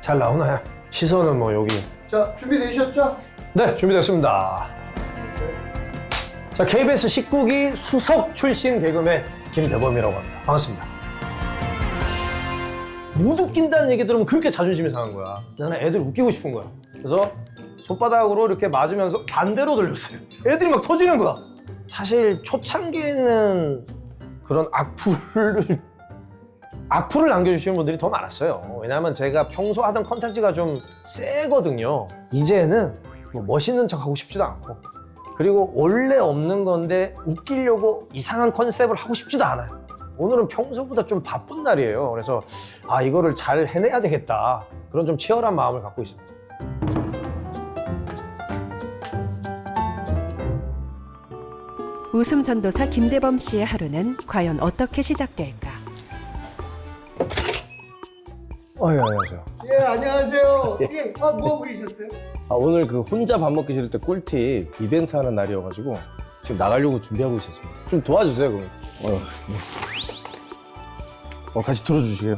잘 나오나요? 시선은 뭐 여기. 자, 준비되셨죠? 네, 준비됐습니다. 자, KBS 19기 수석 출신 개그맨 김대범이라고 합니다. 반갑습니다. 못 웃긴다는 얘기 들으면 그렇게 자존심이 상한 거야. 나는 애들 웃기고 싶은 거야. 그래서 손바닥으로 이렇게 맞으면서 반대로 돌렸어요. 애들이 막 터지는 거야. 사실 초창기에는 그런 악플을 남겨주시는 분들이 더 많았어요. 왜냐하면 제가 평소 하던 컨텐츠가 좀 세거든요. 이제는 뭐 멋있는 척 하고 싶지도 않고, 그리고 원래 없는 건데 웃기려고 이상한 컨셉을 하고 싶지도 않아요. 오늘은 평소보다 좀 바쁜 날이에요. 그래서 이거를 잘 해내야 되겠다, 그런 좀 치열한 마음을 갖고 있습니다. 웃음 전도사 김대범 씨의 하루는 과연 어떻게 시작될까? 안녕하세요. 예, 안녕하세요. 예, 뭐 하고 계셨어요? 오늘 그 혼자 밥 먹기 싫을 때 꿀팁 이벤트 하는 날이어가지고 지금 나가려고 준비하고 있었습니다. 좀 도와주세요, 그럼. 같이 들어주시게요.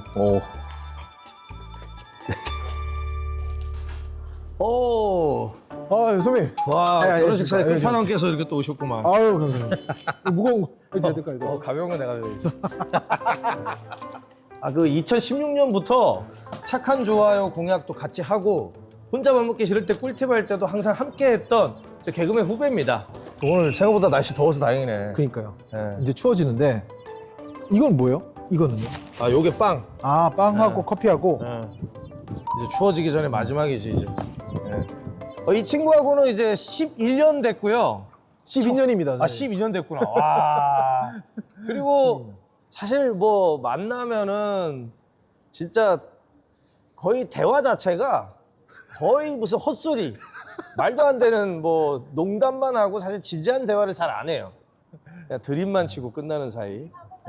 선배님. 와, 네, 결혼식 사에 알겠습니다. 끝판왕께서 이렇게 또 오셨구만. 아유, 감사합니다. 무거운 거 해도 될까요? 이거? 가벼운 거 내가 해야지. 그 2016년부터 착한 좋아요 공약도 같이 하고 혼자 밥 먹기 싫을 때 꿀팁 할 때도 항상 함께 했던 제 개그맨 후배입니다. 오늘 생각보다 날씨 더워서 다행이네. 그러니까요. 네. 이제 추워지는데 이건 뭐예요? 이거는요? 요게 빵. 빵하고 커피하고. 이제 추워지기 전에 마지막이지 이제. 이 친구하고는 이제 11년 됐고요. 12년입니다. 12년 됐구나. 와. 그리고 사실 뭐 만나면은 진짜 거의 대화 자체가 거의 무슨 헛소리, 말도 안 되는 뭐 농담만 하고 사실 진지한 대화를 잘 안 해요. 그냥 드립만 치고 끝나는 사이.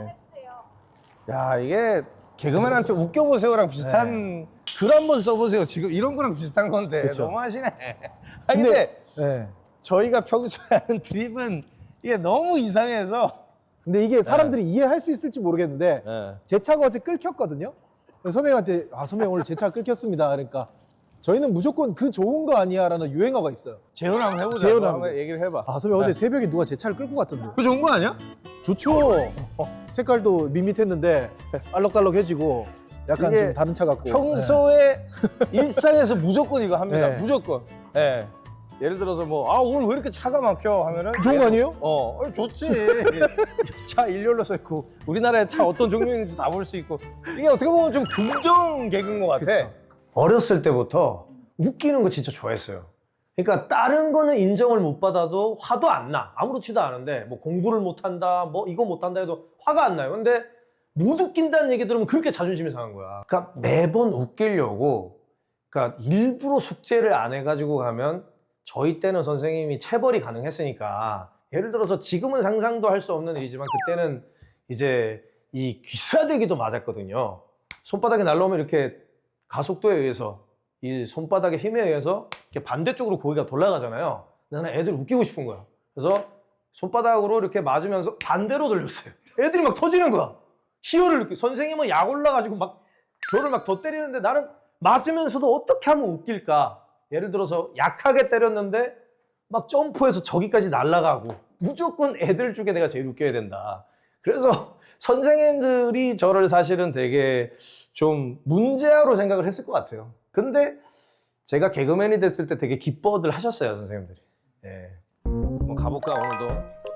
야, 이게 개그맨한테 웃겨보세요랑 비슷한 글 한번 써보세요. 지금 이런 거랑 비슷한 건데. 그쵸. 너무하시네. 근데 네. 저희가 평소에 하는 드립은 이게 너무 이상해서. 근데 이게 사람들이 이해할 수 있을지 모르겠는데 제 차가 어제 끌켰거든요. 그래서 선배님한테 선배님 오늘 제 차 끌켰습니다. 그러니까 저희는 무조건 그 좋은 거 아니야라는 유행어가 있어요. 재현 한번 해보자. 재현 한번 한번. 얘기를 해봐. 선배님 어제 새벽에 누가 제 차를 끌고 갔던데. 그 좋은 거 아니야? 좋죠. 색깔도 밋밋했는데 알록달록해지고 약간 이게 좀 다른 차 같고. 평소에 일상에서 무조건 이거 합니다. 네. 무조건. 예를 들어서 뭐 오늘 왜 이렇게 차가 막혀 하면은 좋은 거 아니에요? 좋지. 차 일렬로 서 있고 우리나라에 차 어떤 종류인지 다 볼 수 있고 이게 어떻게 보면 좀 긍정 개그인 것 같아. 그쵸. 어렸을 때부터 웃기는 거 진짜 좋아했어요. 그러니까 다른 거는 인정을 못 받아도 화도 안 나. 아무렇지도 않은데 뭐 공부를 못 한다, 뭐 이거 못 한다 해도 화가 안 나요. 근데 못 웃긴다는 얘기 들으면 그렇게 자존심이 상한 거야. 그러니까 매번 웃기려고, 그러니까 일부러 숙제를 안 해가지고 가면, 저희 때는 선생님이 체벌이 가능했으니까, 예를 들어서 지금은 상상도 할 수 없는 일이지만 그때는 이제 이 귀싸대기도 맞았거든요. 손바닥에 날라오면 이렇게 가속도에 의해서, 이 손바닥의 힘에 의해서 이렇게 반대쪽으로 고기가 돌아가잖아요. 나는 애들 웃기고 싶은 거야. 그래서 손바닥으로 이렇게 맞으면서 반대로 돌렸어요. 애들이 막 터지는 거야. 희열을 느끼고. 선생님은 약 올라가지고 막 저를 막 더 때리는데 나는 맞으면서도 어떻게 하면 웃길까. 예를 들어서 약하게 때렸는데 막 점프해서 저기까지 날아가고, 무조건 애들 중에 내가 제일 웃겨야 된다. 그래서 선생님들이 저를 사실은 되게 좀 문제아로 생각을 했을 것 같아요. 근데 제가 개그맨이 됐을 때 되게 기뻐들 하셨어요, 선생님들이. 한번 가볼까 오늘도.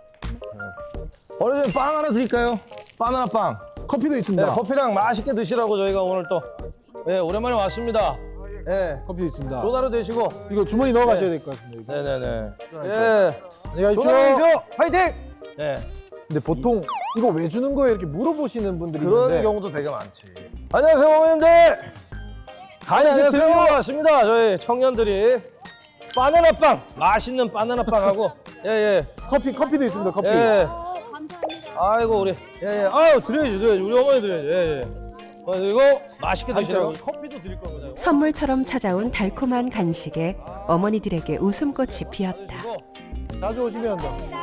어르신 빵 하나 드릴까요? 바나나 빵. 커피도 있습니다. 커피랑 맛있게 드시라고 저희가 오늘 또 오랜만에 왔습니다. 커피도 있습니다. 조다로 되시고. 이거 주머니 넣어 가셔야 될 것 같습니다. 이거. 네네네. 안녕히 조다로 가십시오. 되십시오. 화이팅! 근데 보통 이거 왜 주는 거예요? 이렇게 물어보시는 분들이 그런 있는데 경우도 되게 많지. 안녕하세요, 어머님들. 간식 안녕하세요. 드리러 왔습니다. 저희 청년들이 바나나빵, 맛있는 바나나빵하고 커피도 있습니다. 커피. 아이고 우리 아유 드려야지 우리 어머니 드려야지. 그리고 맛있게 드시라고 커피도 드릴 겁니다. 선물처럼 찾아온 달콤한 간식에 어머니들에게 웃음꽃이 피었다. 자주 오시면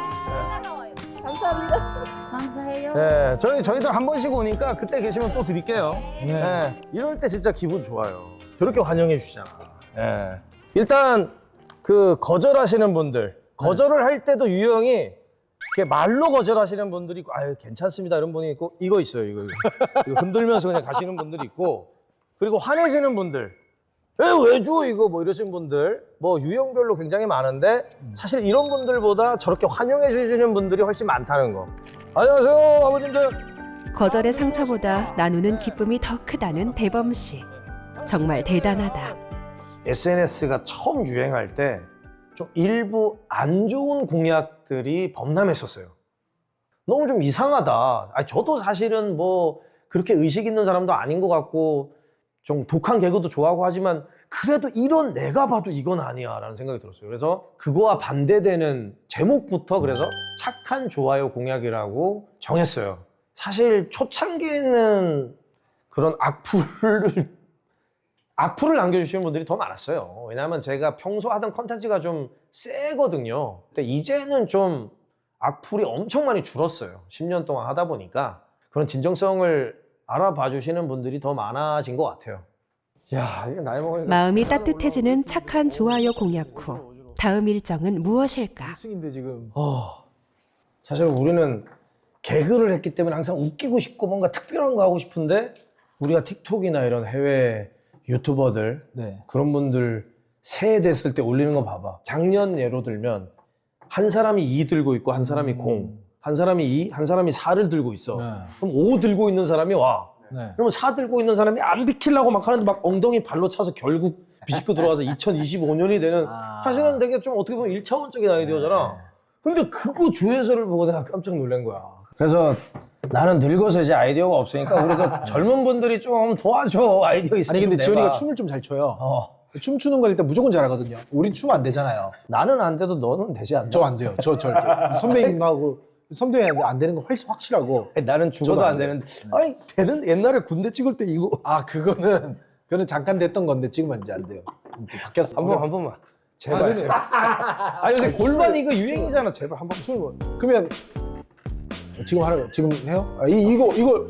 감사해요. 저희들 한 번씩 오니까 그때 계시면 또 드릴게요. 네. 이럴 때 진짜 기분 좋아요. 저렇게 환영해 주잖아. 예. 일단 그 거절하시는 분들, 거절을 할 때도 유형이 이렇게 말로 거절하시는 분들이 있고, 아유 괜찮습니다 이런 분이 있고, 이거 있어요. 이거 흔들면서 그냥 가시는 분들이 있고, 그리고 화내시는 분들, 왜 줘 이거 뭐 이러신 분들, 뭐 유형별로 굉장히 많은데 사실 이런 분들보다 저렇게 환영해 주시는 분들이 훨씬 많다는 거. 안녕하세요 아버님들. 거절의 상처보다 나누는 기쁨이 더 크다는 대범 씨. 정말 대단하다. SNS가 처음 유행할 때 좀 일부 안 좋은 공약들이 범람했었어요. 너무 좀 이상하다. 저도 사실은 뭐 그렇게 의식 있는 사람도 아닌 것 같고 좀 독한 개그도 좋아하고 하지만 그래도 이런 내가 봐도 이건 아니야 라는 생각이 들었어요. 그래서 그거와 반대되는 제목부터 그래서 착한 좋아요 공약이라고 정했어요. 사실 초창기에는 그런 악플을 남겨주시는 분들이 더 많았어요. 왜냐하면 제가 평소 하던 컨텐츠가 좀 세거든요. 근데 이제는 좀 악플이 엄청 많이 줄었어요. 10년 동안 하다 보니까 그런 진정성을 알아봐 주시는 분들이 더 많아진 것 같아요. 야, 이게 나이 먹으니까 마음이 따뜻해지는 착한 좋아요 공약 후 다음 일정은 무엇일까? 1승인데 지금. 사실 우리는 개그를 했기 때문에 항상 웃기고 싶고 뭔가 특별한 거 하고 싶은데 우리가 틱톡이나 이런 해외 유튜버들 네. 그런 분들 새해 됐을 때 올리는 거 봐봐. 작년 예로 들면 한 사람이 2 들고 있고 한 사람이 0, 한 사람이 2, 한 사람이 4를 들고 있어. 네. 그럼 5 들고 있는 사람이 와. 네. 그러면 4 들고 있는 사람이 안 비키려고 막 하는데 막 엉덩이 발로 차서 결국 비집고 들어가서 2025년이 되는 사실은 되게 좀 어떻게 보면 1차원적인 아이디어잖아. 근데 그거 조회수를 보고 내가 깜짝 놀란 거야. 그래서 나는 늙어서 이제 아이디어가 없으니까 우리도 젊은 분들이 좀 도와줘. 아이디어 있으면 아니 근데 내봐. 지원이가 춤을 좀 잘 춰요. 춤추는 건 일단 무조건 잘하거든요. 우린 춤 안 되잖아요. 나는 안 돼도 너는 되지 않나? 저 안 돼요. 저 절대. 선배님하고 선배님 안 되는 건 훨씬 확실하고. 아니, 나는 죽어도 저도 안 안 돼요. 되는데 아니 되는 옛날에 군대 찍을 때 이거 아 그거는 잠깐 됐던 건데 지금은 이제 안 돼요. 또 바뀌었어. 한 번만 제발 근데- 제발. 아 요새 골반 이거 유행이잖아. 제발 한 번 춤을. 그러면 지금 하는 거 지금 해요? 이거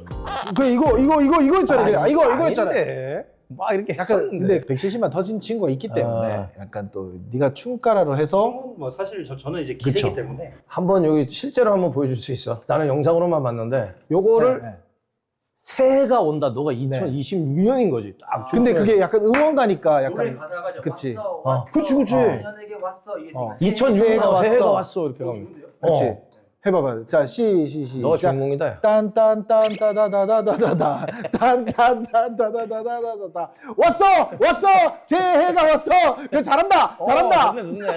있잖아요. 이거 있잖아요. 아닌데. 막 이렇게 약간 했었는데. 근데 170만 터진 친구가 있기 때문에 약간 또 네가 춤가라로 해서 뭐 사실 저는 이제 기세기 그쵸. 때문에 한번 여기 실제로 한번 보여줄 수 있어? 나는 영상으로만 봤는데 요거를 네, 네. 새해가 온다. 너가 2026년인 거지. 딱 근데 그게 약간 응원가니까 노래 약간 가사가 그치. 왔어 그치, 그치. 내년에게 왔어 이게 어. 2006년 새해가 왔어. 왔어 이렇게 가면. 좋은데요? 그치. 해봐봐. 자, 시작. 너가 주인공이다. 야. 딴딴딴따다다다다다다 딴딴딴따다다다다다 왔어 새해가 왔어. 야, 잘한다. 좋네.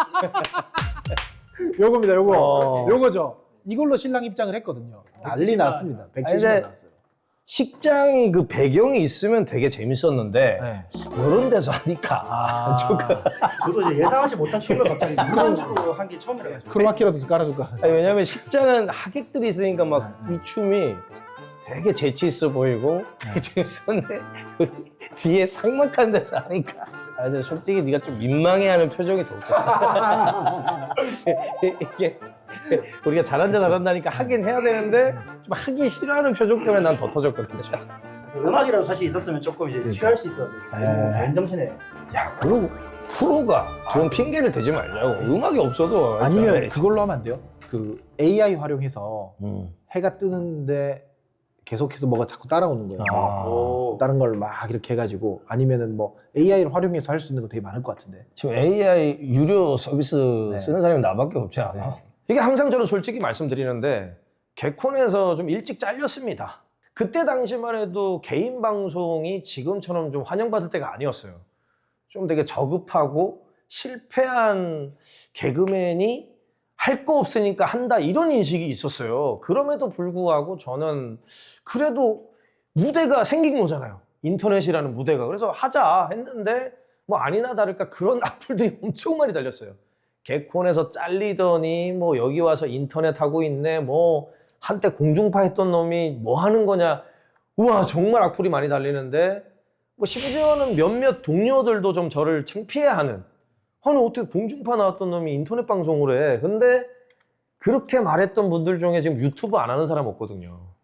요겁니다. 어. 요거죠. 이걸로 신랑 입장을 했거든요. 난리 났습니다. 170만 근데 나왔어요. 식장 그 배경이 있으면 되게 재밌었는데 네. 이런 데서 하니까 조금. 저도 이제 예상하지 못한 춤을 갑자기 무반주로 한 게 처음이라서 크로마키라도 좀 깔아줄까? 아니, 왜냐면 식장은 하객들이 있으니까 막 이 춤이 되게 재치 있어 보이고 되게 재밌었는데 뒤에 삭막한 데서 하니까 근데 솔직히 네가 좀 민망해하는 표정이 더 웃겼어. 이게 우리가 잘한다니까 하긴 해야 되는데 좀 하기 싫어하는 표정 때문에 난 더 터졌거든. 음악이라도 사실 있었으면 조금 이제 취할 수 있었는데 맨정신에 야, 그리고 프로가 그런 핑계를 대지 말자고. 음악이 없어도 아니면 일단은 그걸로 하면 안 돼요? 그 AI 활용해서 음. 해가 뜨는데 계속해서 뭐가 자꾸 따라오는 거예요. 오. 다른 걸 막 이렇게 해가지고 아니면은 뭐 AI를 활용해서 할 수 있는 거 되게 많을 것 같은데. 지금 AI 유료 서비스 네. 쓰는 사람이 나밖에 없지 않아? 이게 항상 저는 솔직히 말씀드리는데 개콘에서 좀 일찍 잘렸습니다. 그때 당시만 해도 개인 방송이 지금처럼 좀 환영받을 때가 아니었어요. 좀 되게 저급하고 실패한 개그맨이 할 거 없으니까 한다 이런 인식이 있었어요. 그럼에도 불구하고 저는 그래도 무대가 생긴 거잖아요. 인터넷이라는 무대가. 그래서 하자 했는데 뭐 아니나 다를까 그런 악플들이 엄청 많이 달렸어요. 개콘에서 잘리더니 뭐 여기 와서 인터넷 하고 있네. 뭐 한때 공중파 했던 놈이 뭐 하는 거냐. 우와 정말 악플이 많이 달리는데 뭐 심지어는 몇몇 동료들도 좀 저를 창피해하는 아니 어떻게 공중파 나왔던 놈이 인터넷 방송을 해. 근데 그렇게 말했던 분들 중에 지금 유튜브 안 하는 사람 없거든요.